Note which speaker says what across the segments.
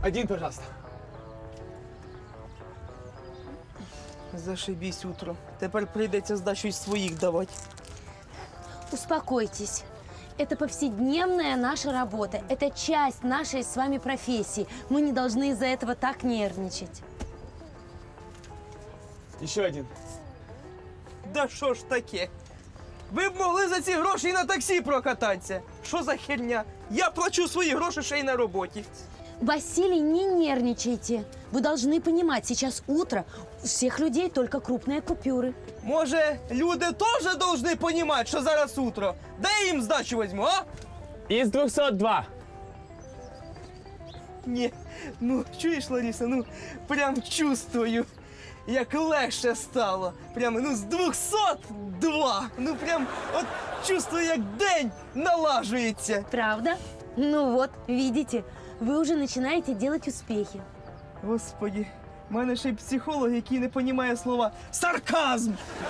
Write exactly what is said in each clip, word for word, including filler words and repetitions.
Speaker 1: Один, пожалуйста.
Speaker 2: Зашибісь утро. Тепер прийдеться здачу із своїх давати.
Speaker 3: Успокойтесь. Это повседневная наша работа. Это часть нашей с вами профессии. Мы не должны из-за этого так нервничать.
Speaker 1: Еще один.
Speaker 2: Да що ж таке? Ви б могли за ці гроші і на таксі прокататися. Що за херня? Я плачу свої гроші ще й на роботі.
Speaker 3: Василий, не нервничайте. Вы должны понимать, сейчас утро, у всех людей только крупные купюры.
Speaker 2: Може, люди теж повинні розуміти, що зараз утро? Дай я їм здачу візьму, а?
Speaker 1: Из двухсот два.
Speaker 2: Ні, ну, чуєш, Лариса, ну, прям чувствую, як легше стало. Прям, ну, з двохсот два. Ну, прям, от чувствую, як день налажується.
Speaker 3: Правда? Ну вот, видите, вы уже начинаете делать успехи.
Speaker 2: Господи, в мене ще й психолог, який не розуміє слова «сарказм».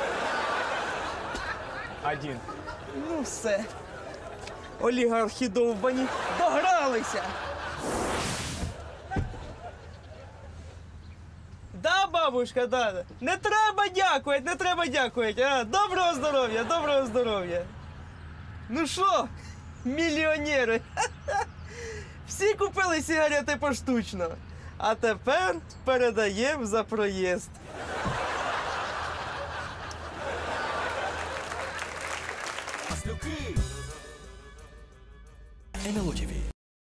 Speaker 1: Один.
Speaker 2: Ну, все. Олігархи довбані догралися. Да, бабушка, да. Не треба дякувати, не треба дякувати. А, доброго здоров'я, доброго здоров'я. Ну що, мільйонери? Всі купили сигарети поштучно. А тепер передаємо за проїзд.
Speaker 4: ен ел о ті ві